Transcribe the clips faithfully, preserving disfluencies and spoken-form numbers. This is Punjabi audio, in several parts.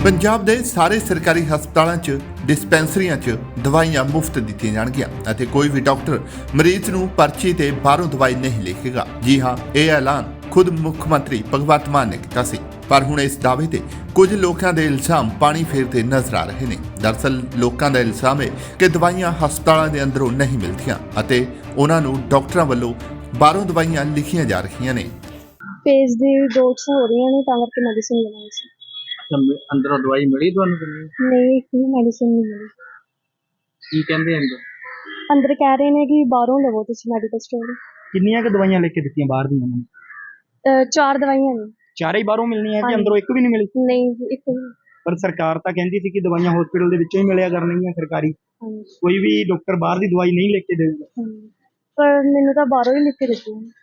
ਪੰਜਾਬ ਦੇ ਸਾਰੇ ਸਰਕਾਰੀ ਹਸਪਤਾਲਾਂ 'ਚ ਡਿਸਪੈਂਸਰੀਆਂ 'ਚ ਦਵਾਈਆਂ ਮੁਫਤ ਦਿੱਤੀਆਂ ਜਾਣਗੀਆਂ ਅਤੇ ਕੋਈ ਵੀ ਡਾਕਟਰ ਮਰੀਜ਼ ਨੂੰ ਪਰਚੀ ਤੇ ਬਾਹਰੋਂ ਦਵਾਈ ਨਹੀਂ ਲਿਖੇਗਾ। ਜੀ ਹਾਂ, ਇਹ ਐਲਾਨ ਖੁਦ ਮੁੱਖ ਮੰਤਰੀ ਭਗਵੰਤ ਮਾਨ ਨੇ ਕੀਤਾ ਸੀ। ਪਰ ਹੁਣ ਇਸ ਦਾਅਵੇ ਤੇ ਕੁਝ ਲੋਕਾਂ ਦੇ ਇਲਜ਼ਾਮ ਪਾਣੀ ਫੇਰਦੇ ਨਜ਼ਰ ਆ ਰਹੇ ਨੇ। ਦਰਅਸਲ ਲੋਕਾਂ ਦਾ ਇਲਜ਼ਾਮ ਹੈ ਕਿ ਦਵਾਈਆਂ ਹਸਪਤਾਲਾਂ ਦੇ ਅੰਦਰੋਂ ਨਹੀਂ ਮਿਲਦੀਆਂ ਅਤੇ ਉਹਨਾਂ ਨੂੰ ਡਾਕਟਰਾਂ ਵੱਲੋਂ ਬਾਹਰੋਂ ਦਵਾਈਆਂ ਲਿਖੀਆਂ ਜਾ ਰਹੀਆਂ ਨੇ। ਫੇਸ ਦੀ ਡੋਟਸ ਹੋ ਰਹੀਆਂ ਨੇ ਤਾਂ ਕਰਕੇ ਮੈਡੀਸਿਨ ਲੈਣੀ ਸੀ। ਅੰਦਰੋਂ ਦਵਾਈ ਮਿਲੀ ਤੁਹਾਨੂੰ ਕਿ ਨਹੀਂ? ਨਹੀਂ, ਇੱਕ ਵੀ ਮੈਡੀਸਿਨ ਨਹੀਂ ਮਿਲੀ। ਕੀ ਕਹਿੰਦੇ ਅੰਦਰ? ਅੰਦਰ ਕਹਿ ਰਹੇ ਨੇ ਕਿ ਬਾਹਰੋਂ ਲਵੋ ਤੁਸੀਂ ਮੈਡੀਕਲ ਸਟੋਰ। ਕਿੰਨੀਆਂ ਕੁ ਦਵਾਈਆਂ ਲਿਖ ਕੇ ਦਿੱਤੀਆਂ ਬਾਹਰ ਦੀਆਂ ਉਹਨਾਂ ਨੇ? ਚਾਰ ਦਵਾਈਆਂ ਨੇ। ਚਾਰੇ ਹੀ ਬਾਹਰੋਂ ਮਿਲਣੀਆਂ ਕਿ ਹਾਂਜੀ। ਅੰਦਰੋਂ ਇੱਕ ਵੀ ਨਹੀਂ ਮਿਲੀ? ਨਹੀਂ, ਇੱਕ ਵੀ। ਪਰ ਸਰਕਾਰ ਤਾਂ ਕਹਿੰਦੀ ਸੀ ਕਿ ਦਵਾਈਆਂ ਹਸਪੀਟਲ ਦੇ ਵਿੱਚੋਂ ਹੀ ਮਿਲਿਆ ਕਰਨਗੀਆਂ ਸਰਕਾਰੀ। ਹਾਂਜੀ, ਕੋਈ ਵੀ ਡਾਕਟਰ ਬਾਹਰ ਦੀ ਦਵਾਈ ਨਹੀਂ ਲਿਖ ਕੇ ਦੇਊਗਾ। ਹਾਂਜੀ। ਪਰ ਮੈਨੂੰ ਤਾਂ ਬਾਹਰੋਂ ਹੀ ਲਿਖ ਕੇ ਦਿੱਤੀਆਂ ਨੇ।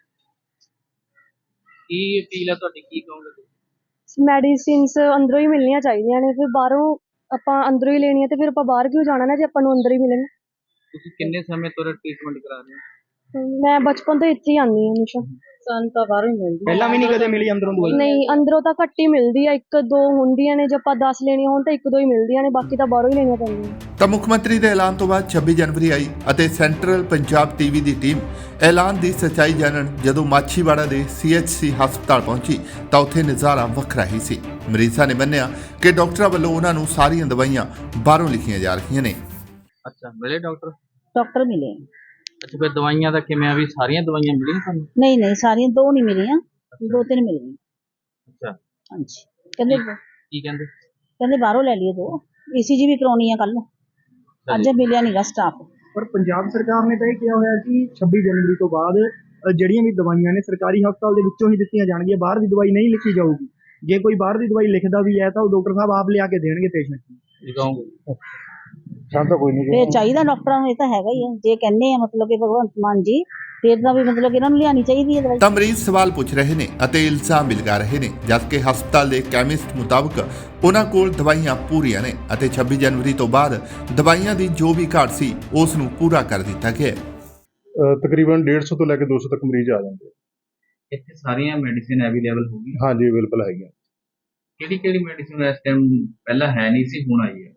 ਕੀ ਅਪੀਲ ਹੈ ਤੁਹਾਡੀ, ਕੀ ਕਹੋਗੇ? ਮੈਡੀਸਿਨਸ ਅੰਦਰੋਂ ਹੀ ਮਿਲਣੀਆਂ ਚਾਹੀਦੀਆਂ ਨੇ। ਫਿਰ ਬਾਹਰੋਂ ਆਪਾਂ ਅੰਦਰੋਂ ਹੀ ਲੈਣੀ ਹੈ ਤੇ ਫਿਰ ਆਪਾਂ ਬਾਹਰ ਕਿਉਂ ਜਾਣਾ ਨਾ ਜੇ ਆਪਾਂ ਨੂੰ ਅੰਦਰ ਹੀ ਮਿਲਣ। ਤੁਸੀਂ ਕਿੰਨੇ ਸਮੇਂ ਤੋਂ ਟ੍ਰੀਟਮੈਂਟ ਕਰਾ ਰਹੇ ਹੋ? ਮੈਂ ਬਚਪਨ ਤੋਂ ਇੱਥੇ ਹੀ ਆਉਂਦੀ ਹਾਂ ਹਮੇਸ਼ਾ। ਸਾਨੂੰ ਤਾਂ ਬਾਹਰੋਂ ਹੀ ਮਿਲਦੀ। ਪਹਿਲਾਂ ਵੀ ਨਹੀਂ ਕਦੇ ਮਿਲੀ ਅੰਦਰੋਂ ਦਵਾਈ? ਨਹੀਂ, ਅੰਦਰੋਂ ਤਾਂ ਘੱਟ ਹੀ ਮਿਲਦੀ ਆ, ਇੱਕ ਦੋ ਹੁੰਦੀਆਂ ਨੇ। ਜੇ ਆਪਾਂ ਦਸ ਲੈਣੀਆਂ ਹੋਣ ਤਾਂ ਇੱਕ ਦੋ ਹੀ ਮਿਲਦੀਆਂ ਨੇ, ਬਾਕੀ ਤਾਂ ਬਾਹਰੋਂ ਹੀ ਲੈਣੀਆਂ ਪੈਂਦੀਆਂ। ਤਾਂ ਮੁੱਖ ਮੰਤਰੀ ਦੇ ਐਲਾਨ ਤੋਂ ਬਾਅਦ ਛੱਬੀ ਜਨਵਰੀ ਆਈ ਅਤੇ ਸੈਂਟਰਲ ਪੰਜਾਬ ਟੀਵੀ ਦੀ ਟੀਮ ਐਲਾਨ ਦੀ ਸੱਚਾਈ ਜਾਣਨ ਜਦੋਂ ਮਾਛੀਵਾੜਾ ਦੇ ਸੀ ਐਚ ਸੀ ਹਸਪਤਾਲ ਪਹੁੰਚੀ ਤਾਂ ਉੱਥੇ ਨਜ਼ਾਰਾ ਵੱਖਰਾ ਹੀ ਸੀ। ਮਰੀਜ਼ਾਂ ਨੇ ਮੰਨਿਆ ਕਿ ਡਾਕਟਰਾਂ ਵੱਲੋਂ ਉਹਨਾਂ ਨੂੰ ਸਾਰੀਆਂ ਦਵਾਈਆਂ ਬਾਹਰੋਂ ਲਿਖੀਆਂ ਜਾ ਰਹੀਆਂ ਨੇ। ਅੱਛਾ, ਮਿਲੇ ਡਾਕਟਰ? ਡਾਕਟਰ ਮਿਲੇ। ਅੱਛਾ, ਫਿਰ ਦਵਾਈਆਂ ਦਾ ਕਿਵੇਂ ਆ ਵੀ ਸਾਰੀਆਂ ਦਵਾਈਆਂ ਮਿਲੀਆਂ ਤੁਹਾਨੂੰ? ਨਹੀਂ ਨਹੀਂ, ਸਾਰੀਆਂ ਦੋ ਨਹੀਂ ਮਿਲੀਆਂ, ਦੋ ਤਿੰਨ ਮਿਲੀਆਂ। ਅੱਛਾ, ਹਾਂਜੀ। ਕਹਿੰਦੇ ਕੀ ਕਹਿੰਦੇ? ਕਹਿੰਦੇ ਬਾਹਰੋਂ ਲੈ ਲਈਏ ਦੋ, ਈਸੀਜੀ ਵੀ ਕਰਾਉਣੀ ਆ ਕੱਲ ਨੂੰ। ਅੱਜ ਮਿਲਿਆ ਨਹੀਂਗਾ ਸਟਾਫ। ਪਰ ਪੰਜਾਬ ਸਰਕਾਰ ਨੇ ਤਾਂ ਇਹ ਕਿਹਾ ਹੋਇਆ ਕਿ ਛੱਬੀ ਜਨਵਰੀ ਤੋਂ ਬਾਅਦ ਅ, ਜਿਹੜੀਆਂ ਵੀ ਦਵਾਈਆਂ ਨੇ ਸਰਕਾਰੀ ਹਸਪਤਾਲ ਦੇ ਵਿੱਚੋਂ ਹੀ ਦਿੱਤੀਆਂ ਜਾਣਗੀਆਂ, ਬਾਹਰ ਦੀ ਦਵਾਈ ਨਹੀਂ ਲਿਖੀ ਜਾਊਗੀ। ਜੇ ਕੋਈ ਬਾਹਰ ਦੀ ਦਵਾਈ ਲਿਖਦਾ ਵੀ ਹੈ ਤਾਂ ਉਹ ਡਾਕਟਰ ਸਾਹਿਬ ਆਪ ਲਿਆ ਕੇ ਦੇਣਗੇ ਪੇਸ਼ੈਂਟ ਨੂੰ। ਕੀ ਕਹੋਗੇ? ਸਾਨੂੰ ਤਾਂ ਕੋਈ ਨਹੀਂ। ਫੇਰ ਚਾਹੀਦਾ ਡਾਕਟਰਾਂ ਨੂੰ, ਇਹ ਤਾਂ ਹੈਗਾ ਹੀ ਆ। ਜੇ ਕਹਿੰਦੇ ਆ ਮਤਲਬ ਕਿ ਭਗਵੰਤ ਮਾਨ ਜੀ, ਫੇਰ ਤਾਂ ਵੀ ਮਤਲਬ ਕਿ ਇਹਨਾਂ ਨੂੰ ਲਿਆਣੀ ਚਾਹੀਦੀ ਹੈ ਦਵਾਈ। ਤਾਂ ਮਰੀਜ਼ ਸਵਾਲ ਪੁੱਛ ਰਹੇ ਨੇ ਅਤੇ ਇਲਜ਼ਾਮ ਵੀ ਲਗਾ ਰਹੇ ਨੇ, ਜਦਕਿ ਹਸਪਤਾਲ ਦੇ ਕੈਮਿਸਟ ਮੁਤਾਬਕ ਉਹਨਾਂ ਕੋਲ ਦਵਾਈਆਂ ਪੂਰੀਆਂ ਨੇ ਅਤੇ ਛੱਬੀ ਜਨਵਰੀ ਤੋਂ ਬਾਅਦ ਦਵਾਈਆਂ ਦੀ ਜੋ ਵੀ ਘਾਟ ਸੀ ਉਸ ਨੂੰ ਪੂਰਾ ਕਰ ਦਿੱਤਾ ਗਿਆ ਹੈ। ਤਕਰੀਬਨ ਡੇਢ ਸੌ ਤੋਂ ਲੈ ਕੇ ਦੋ ਸੌ ਤੱਕ ਮਰੀਜ਼ ਆ ਜਾਂਦੇ। ਇੱਥੇ ਸਾਰੀਆਂ ਮੈਡੀਸਿਨ ਅਵੇਲੇਬਲ ਹੋ ਗਈਆਂ? ਹਾਂਜੀ, ਅਵੇਲੇਬਲ ਹੈਗੀਆਂ। ਕਿਹੜੀ ਕਿਹੜੀ ਮੈਡੀਸਿਨ ਇਸ ਟਾਈਮ ਪਹਿਲਾਂ ਹੈ ਨਹੀਂ ਸੀ, ਹੁਣ ਆਈ ਹੈ?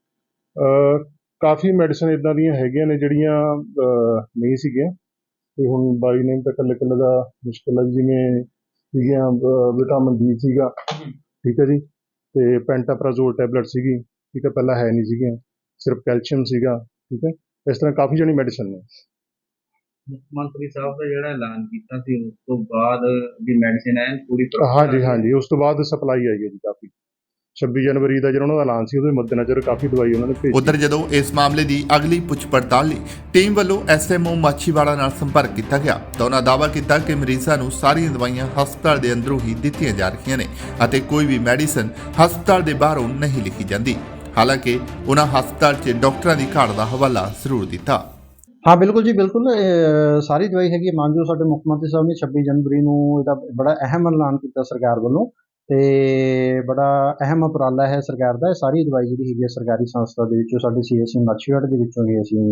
ਅਹ ਕਾਫੀ ਮੈਡੀਸਨ ਇਦਾਂ ਦੀਆਂ ਹੈਗੀਆਂ ਨੇ ਜਿਹੜੀਆਂ ਅਹ ਨਹੀਂ ਸੀਗੀਆਂ ਤੇ ਹੁਣ ਬਾਈ ਨੇਮ ਤਾਂ ਇਕੱਲੇ ਇਕੱਲੇ ਦਾ ਮੁਸ਼ਕਿਲ ਹੈ। ਜਿਵੇਂ ਸੀਗੀਆਂ ਵਿਟਾਮਿਨ ਡੀ ਸੀਗਾ, ਠੀਕ ਹੈ ਜੀ, ਤੇ ਪੈਂਟਾਪਰਾਜ਼ੋਲ ਟੈਬਲੇਟ ਸੀਗੀ, ਠੀਕ ਹੈ, ਪਹਿਲਾਂ ਹੈ ਨਹੀਂ ਸੀਗੀਆਂ। ਸਿਰਫ ਕੈਲਸ਼ੀਅਮ ਸੀਗਾ, ਠੀਕ ਹੈ। ਇਸ ਤਰ੍ਹਾਂ ਕਾਫੀ ਜਣੀ ਮੈਡੀਸਨ ਨੇ। ਮੁੱਖ ਮੰਤਰੀ ਸਾਹਿਬ ਦਾ ਜਿਹੜਾ ਐਲਾਨ ਕੀਤਾ ਸੀ ਉਸ ਤੋਂ ਬਾਅਦ ਵੀ ਮੈਡੀਸਿਨ ਹੈ ਪੂਰੀ ਤਰ੍ਹਾਂ? ਹਾਂਜੀ ਹਾਂਜੀ, ਉਸ ਤੋਂ ਬਾਅਦ ਸਪਲਾਈ ਆਈ ਹੈ ਜੀ ਕਾਫੀ। ਛੱਬੀ ਜਨਵਰੀ ਦਾ ਜਿਹੜਾ ਉਹਨਾਂ ਦਾ ਐਲਾਨ ਸੀ ਉਹਦੇ ਮੱਦੇਨਜ਼ਰ ਕਾਫੀ ਦਵਾਈ ਉਹਨਾਂ ਨੇ ਭੇਜੀ। ਉਧਰ ਜਦੋਂ ਇਸ ਮਾਮਲੇ ਦੀ ਅਗਲੀ ਪੁੱਛ ਪੜਤਾਲ ਲਈ ਟੀਮ ਵੱਲੋਂ ਐਸ ਐਮ ਓ ਮਾਛੀਵਾੜਾ ਨਾਲ ਸੰਪਰਕ ਕੀਤਾ ਗਿਆ ਤਾਂ ਉਹਨਾਂ ਦਾਅਵਾ ਕੀਤਾ ਕਿ ਮਰੀਜ਼ਾਂ ਨੂੰ ਸਾਰੀਆਂ ਦਵਾਈਆਂ ਹਸਪਤਾਲ ਦੇ ਅੰਦਰੋਂ ਹੀ ਦਿੱਤੀਆਂ ਜਾ ਰਹੀਆਂ ਨੇ ਅਤੇ ਕੋਈ ਵੀ ਮੈਡੀਸਨ ਹਸਪਤਾਲ ਦੇ ਬਾਹਰੋਂ ਨਹੀਂ ਲਿਖੀ ਜਾਂਦੀ। ਹਾਲਾਂਕਿ ਉਹਨਾਂ ਹਸਪਤਾਲ 'ਚ ਡਾਕਟਰਾਂ ਦੀ ਘਾਟ ਦਾ ਹਵਾਲਾ ਜ਼ਰੂਰ ਦਿੱਤਾ। हाँ बिल्कुल जी बिल्कुल, सारी दवाई हैगी। मानजो साडे मुख मंत्री साहब ने छब्बी जनवरी नूं इहदा बड़ा अहम ऐलान किया सरकार वालों, ते बड़ा अहम उपराला है सरकार दा। सारी दवाई जिहड़ी हैगी सरकारी संस्था दे विचों साडे सी एस सी माछीवाड़ा दे विचों ही असीं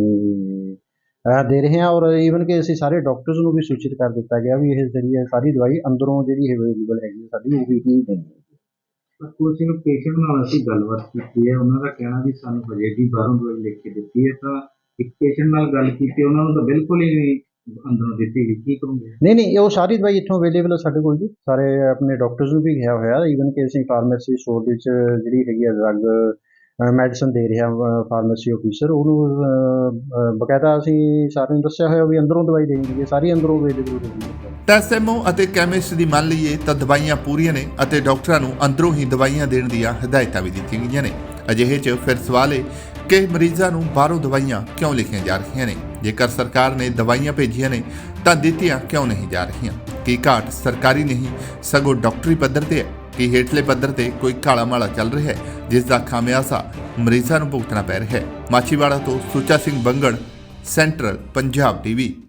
दे रहे हैं और ईवन कि असीं सारे डॉक्टर्स नूं भी सूचित कर दिता गया भी इह जरिए सारी दवाई अंदरों जिहड़ी अवेलेबल हैगी साडी वो भी ही देंगे। ਕੁਝ ਨੂੰ ਪੇਸ਼ੈਂਟ ਨਾਲ ਅਸੀਂ ਗੱਲਬਾਤ ਕੀਤੀ ਹੈ, ਉਹਨਾਂ ਦਾ ਕਹਿਣਾ ਵੀ ਸਾਨੂੰ ਹਜੇ ਵੀ ਬਾਹਰੋਂ ਦਵਾਈ ਲਿਖ ਕੇ ਦਿੱਤੀ ਹੈ। ਤਾਂ ਇੱਕ ਪੇਸ਼ੈਂਟ ਨਾਲ ਗੱਲ ਕੀਤੀ, ਉਹਨਾਂ ਨੂੰ ਤਾਂ ਬਿਲਕੁਲ ਹੀ ਅੰਦਰੋਂ ਦਿੱਤੀ ਗਈ। ਕੀ ਕਹੋਗੇ? नहीं नहीं, वो सारी दवाई इत्थों अवेलेबल है साडे कोल जी। सारे अपने डॉक्टर्स नूं भी किहा होया, ईवन कि असीं फार्मेसी स्टोर विच जिहड़ी हैगी ड्रग मैਡੀਸਨ ਦੇ ਰਿਹਾ ਫਾਰਮੇਸੀ ਆਫੀਸਰ, ਉਹਨੂੰ ਬਕਾਇਦਾ ਅਸੀਂ ਸਾਰਿਆਂ ਨੂੰ ਦੱਸਿਆ ਹੋਇਆ ਵੀ ਅੰਦਰੋਂ ਦਵਾਈ ਦੇਣੀ ਹੈ, ਸਾਰੀ ਅੰਦਰੋਂ ਅਵੇਲੇਬਲ ਹੋਣੀ ਹੈ। ਤਾਂ ਐਸ ਐਮ ਓ ਅਤੇ ਕੈਮਿਸਟ ਦੀ ਮੰਨ ਲਈਏ ਤਾਂ ਦਵਾਈਆਂ ਪੂਰੀਆਂ ਨੇ ਅਤੇ ਡਾਕਟਰਾਂ ਨੂੰ ਅੰਦਰੋਂ ਹੀ ਦਵਾਈਆਂ ਦੇਣ ਦੀਆਂ ਹਦਾਇਤਾਂ ਵੀ ਦਿੱਤੀਆਂ ਗਈਆਂ ਨੇ। ਅਜਿਹੇ 'ਚ ਫਿਰ ਸਵਾਲ ਹੈ ਕਿ ਮਰੀਜ਼ਾਂ ਨੂੰ ਬਾਹਰੋਂ ਦਵਾਈਆਂ ਕਿਉਂ ਲਿਖੀਆਂ ਜਾ ਰਹੀਆਂ ਨੇ? ਜੇਕਰ ਸਰਕਾਰ ਨੇ ਦਵਾਈਆਂ ਭੇਜੀਆਂ ਨੇ ਤਾਂ ਦਿੱਤੀਆਂ ਕਿਉਂ ਨਹੀਂ ਜਾ ਰਹੀਆਂ? ਕੀ ਘਾਟ ਸਰਕਾਰੀ ਨਹੀਂ ਸਗੋਂ ਡਾਕਟਰੀ ਪੱਧਰ ਤੇ ਹੈ? ਕਿ ਹੇਠਲੇ ਪੱਧਰ ਤੇ ਕੋਈ ਕਾਲਾ ਮਾਲਾ ਚੱਲ ਰਿਹਾ ਹੈ ਜਿਸ ਦਾ ਖਾਮਿਆਜ਼ਾ ਮਰੀਜ਼ਾਂ ਨੂੰ ਭੁਗਤਣਾ ਪੈ ਰਿਹਾ ਹੈ? ਮਾਛੀਵਾੜਾ ਤੋਂ ਸੁੱਚਾ ਸਿੰਘ ਬੰਗੜ, ਸੈਂਟਰਲ ਪੰਜਾਬ ਟੀਵੀ।